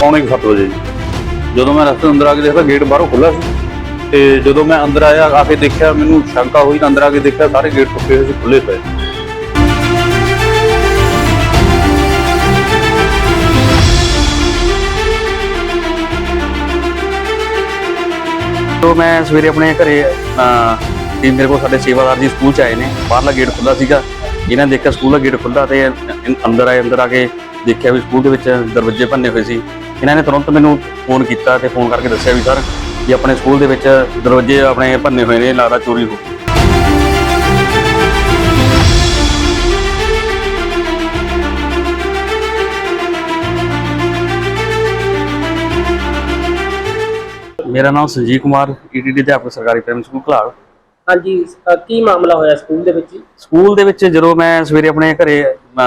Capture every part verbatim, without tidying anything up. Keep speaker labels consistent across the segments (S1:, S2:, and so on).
S1: पौने सत्त बजे जो मैं रस्ते अंदर आके देखा गेट बाहरों खुला सी ते जो मैं अंदर आया आके देखा मैनू शंका हुई तो अंदर आके देखा सारे गेट टुटे हुए खुले पे। तो मैं सवेरे अपने घरे मेरे को साडे सेवादार जी स्कूल च आए ने, बाहरला गेट खुला सीगा, इन्होंने देखा स्कूल का गेट खुला तो अंदर आए, अंदर आके देखा भी स्कूल के दरवाजे भन्ने हुए सी। इन्होंने तुरंत मैनू फोन किया तो फोन करके दस्सिया भी सर भी अपने स्कूल के दरवाजे अपने भन्ने हुए ने, लगता चोरी हो गई। मेरा नाम Sanjeev Kumar, E T D अध्यापक सरकारी प्राइमरी स्कूल घलाड़।
S2: हाँ जी, की मामला होया स्कूल दे विच?
S1: स्कूल दे विच जो मैं सवेरे अपने घरे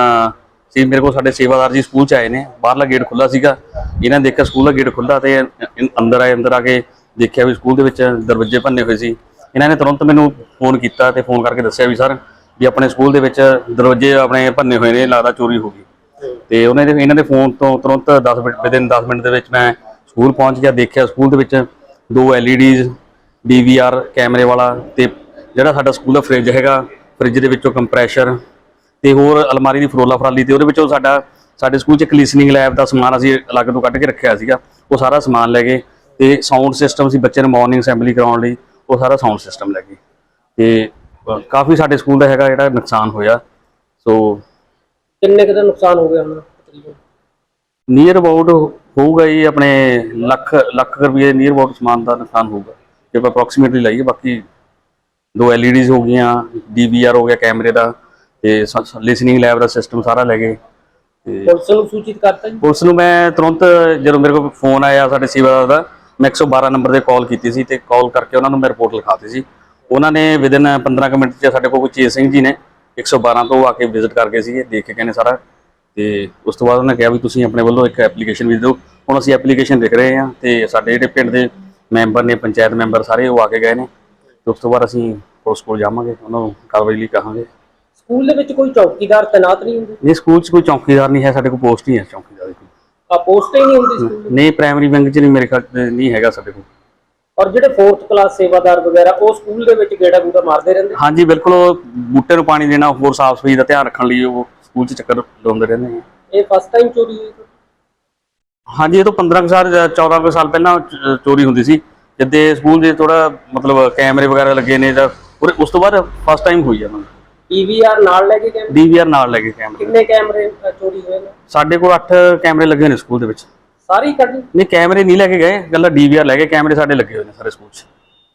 S1: सी मेरे को साडे सेवादार जी स्कूल च आए ने, बाहरला गेट खुला सीगा, इन्होंने देखा स्कूल का गेट खुला तो अंदर आए, अंदर आके देखा भी स्कूल के दरवाजे भन्ने हुए सी। इन्होंने तुरंत मैनू फोन किया तो फोन करके दस्सिया भी सर भी अपने स्कूल के दरवाजे अपने भन्ने हुए ने, लगता चोरी हो गई। तो उन्होंने इन्होंने फोन तो तुरंत दस मिनट विदिन दस मिनट के मैं स्कूल पहुँच गया, देखा स्कूल के दो L E Ds D V R कैमरे वाला तो जोड़ा साडा स्कूल का फ्रिज हैगा, फ्रिज के विचों कंप्रैशर तो होर अलमारी की फरोला फराली तो वो साडा साडे स्कूल च लिसनिंग लैब का समान असीं अलग तो कढ़ के रखा सीगा, वो सारा समान लै गए। तो साउंड सिस्टम से बच्चे ने मॉर्निंग असैंबली कराने लई वो सारा साउंड सिस्टम लै गए। तो काफ़ी साडे स्कूल का हैगा जिहड़ा नुकसान होया। सो
S2: किन्ने क दा नुकसान हो गया हुण तकरीबन?
S1: नीयर अबाउट होगा जी अपने लख लख रुपये नीयर अबाउट समान का नुकसान होगा जो आप अप्रोक्सीमेटली लाइए। बाकी दो एल ई डीज हो गई, डी वी आर हो गया कैमरे का, तो लिसनिंग लैब का सिस्टम सारा लै गए।
S2: पुलिस नूं सूचित करता जी?
S1: पुलिस नूं मैं तुरंत जो मेरे को फोन आया साडे सेवादार दा, मैं एक सौ बारह नंबर पर कॉल की सी, कॉल करके उन्होंने मैं रिपोर्ट लिखाती सी। उन्होंने विदिन पंद्रह मिनट च साडे कोल चेत सिंह जी ने एक सौ बारह तो आके विजिट कर गए सी, देख के कहने सारा। तो उस तो बाद उन्होंने कहा भी तुसीं अपने वालों एक एप्लीकेशन भी दो। हुण असीं एप्लीकेशन लिख रहे हैं तो साडे जिहड़े पिंड दे मैंबर ने, पंचायत मैंबर सारे वो आके गए ने। तो उस तो बाद असीं पुलिस कोल जावांगे, उन्होंने कार्रवाई लई कहांगे।
S2: स्कूल दे विच कोई चौकीदार तैनात नहीं हुंदे?
S1: नहीं, स्कूल च कोई चौकीदार नहीं है, साडे कोल पोस्ट ही है चौकीदार की।
S2: आ पोस्ट ही नहीं हुंदी स्कूल?
S1: नहीं, प्राइमरी विंग च नहीं, मेरे ख्याल नहीं हैगा साडे कोल।
S2: और जिहड़े फोर्थ क्लास सेवादार वगैरह वो स्कूल दे विच गेड़ा गूड़ा मारदे रहिंदे?
S1: हाँ जी बिल्कुल, बूटे नूं पानी देना, होर साफ सफाई का ध्यान रखने लिए वो स्कूल च चक्कर लाउंदे रहिंदे हैं।
S2: ये फर्स्ट टाइम चोरी हुई?
S1: हाँ जी, ये तो पंद्रह साल चौदह कुछ साल पहला चोरी होंदी सी, जिद्दे स्कूल दे थोड़ा मतलब कैमरे वगैरह लगे ने, उस तो बाद फर्स्ट टाइम हुई है।
S2: डी वी आर नाल लैके कैमरे?
S1: डी वी आर नाल लैके कैमरे।
S2: कितने कैमरे चोरी हुए ने?
S1: साडे कोल अठ कैमरे लगे ने स्कूल दे विच।
S2: सारी कट
S1: नहीं, कैमरे नहीं लैके गए, गल्ला डी वी आर लैके, कैमरे साडे लगे हुए ने सारे स्कूल च।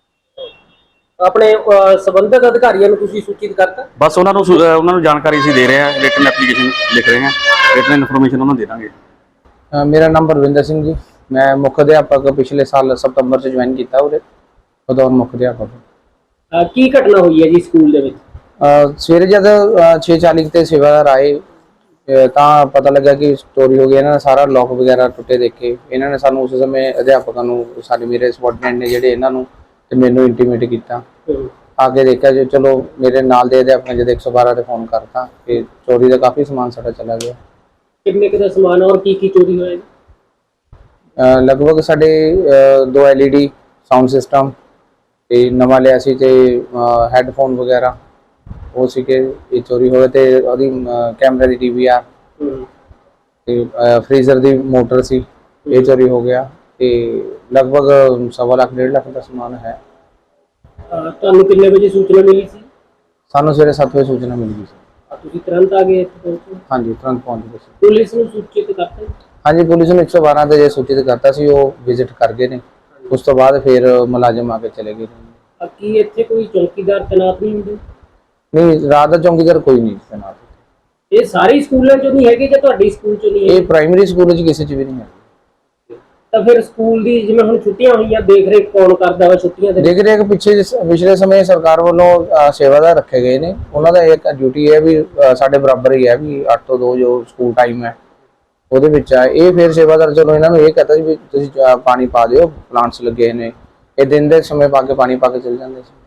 S2: अपने संबंधित अधिकारियों को तुसीं सूचित करता? बस
S1: उन्होंने उन्होंने जानकारी असीं दे रहे हैं, रिटन एप्लीकेशन लिख रहे हैं, रिटन इन्फॉर्मेशन उन्होंने दे देंगे।
S3: मेरा नाम परविंदर सिंह जी, मैं मुख्य अध्यापक पिछले साल सितंबर से ज्वाइन किया उरे बतौर मुख्य अध्यापक।
S2: की घटना हुई है जी स्कूल दे विच?
S3: सवेरे जब छे चाली ते सेवादार आए तो पता लगा कि चोरी हो गई। इन्होंने सारा लॉक वगैरह टुटे देखे। इन्होंने सानू उस समय अध्यापकों को सारे मेरे सबॉर्डिनेट ने जिहड़े इन्होंने ते मैनू इंटीमेट किया, आके देखा जो चलो मेरे नाल दे अध्यापक जब एक सौ बारह से फोन करता कि चोरी का काफ़ी समान सारा चला गया।
S2: कितने का समान और की की चोरी होया?
S3: लगभग साढ़े दो L E D sound system ते नवा लिया सी ते हैडफोन वगैरह वो सी के ये चोरी होए ते ओदी कैमरे दी डी वी आर ते फ्रीजर दी मोटर सी ये चोरी हो गया। ते लगभग सवा लाख डेढ़ लाख का समान है।
S2: ਤੁਹਾਨੂੰ ਕਿੰਨੇ ਵਜੇ सूचना मिली सी?
S3: सानू सवेरे सत्त बजे सूचना मिल गई सी।
S2: ਤੁਸੀਂ तुरंत आ गए?
S3: हाँ जी, तुरंत पहुँच गए।
S2: पुलिस ਨੂੰ सूचित करता?
S3: हाँ जी, पुलिस ने एक सौ बारह से सूचित करता सी, वो विजिट कर गए ने। उस तो बाद फिर मुलाजिम आके चले गए।
S2: ਕੀ ਇੱਥੇ ਕੋਈ ਚੌਕੀਦਾਰ ਤੈਨਾਤ ਨਹੀਂ ਹੁੰਦੇ?
S3: नहीं, रात का चौकीदार कोई नहीं तैनात।
S2: ਇਹ ਸਾਰੇ ਸਕੂਲਾਂ ਚੋਂ ਨਹੀਂ ਹੈਗੇ ਜਾਂ ਤੁਹਾਡੇ ਸਕੂਲ ਚੋਂ ਨਹੀਂ ਹੈ?
S3: ਇਹ ਪ੍ਰਾਇਮਰੀ ਸਕੂਲ ਚ ਕਿਸੇ ਚ ਵੀ ਨਹੀਂ ਹੈ।
S2: ਤਾਂ ਫਿਰ ਸਕੂਲ ਦੀ ਜਿਵੇਂ ਹੁਣ ਛੁੱਟੀਆਂ ਹੋਈਆਂ ਦੇਖ ਰੇਖ ਕੌਣ ਕਰਦਾ ਵਾ ਛੁੱਟੀਆਂ ਦੇ?
S3: ਦੇਖ ਰੇਖ ਪਿੱਛੇ ਪਿਛਲੇ ਸਮੇਂ ਸਰਕਾਰ ਵੱਲੋਂ ਸੇਵਾਦਾਰ ਰੱਖੇ ਗਏ ਨੇ। ਉਹਨਾਂ ਦਾ ਇੱਕ ਡਿਊਟੀ ਹੈ ਵੀ ਸਾਡੇ ਬਰਾਬਰ ਹੀ ਹੈ ਵੀ ਅੱਠ ਤੋਂ ਦੋ ਜੋ ਸਕੂਲ ਟਾਈਮ ਹੈ ਉਹਦੇ ਵਿੱਚ ਆ। ਇਹ ਫਿਰ ਸੇਵਾਦਾਰ ਚਲੋ ਇਹਨਾਂ ਨੂੰ ਇਹ ਕਹਤਾ ਵੀ ਤੁਸੀਂ ਪਾਣੀ ਪਾ ਦਿਓ, ਪਲਾਂਟਸ ਲੱਗੇ ਨੇ, ਇਹ ਦਿਨ ਦੇ ਸਮੇਂ ਪਾ ਕੇ ਪਾਣੀ ਪਾ ਕੇ ਚਲ ਜਾਂਦੇ ਸੀ।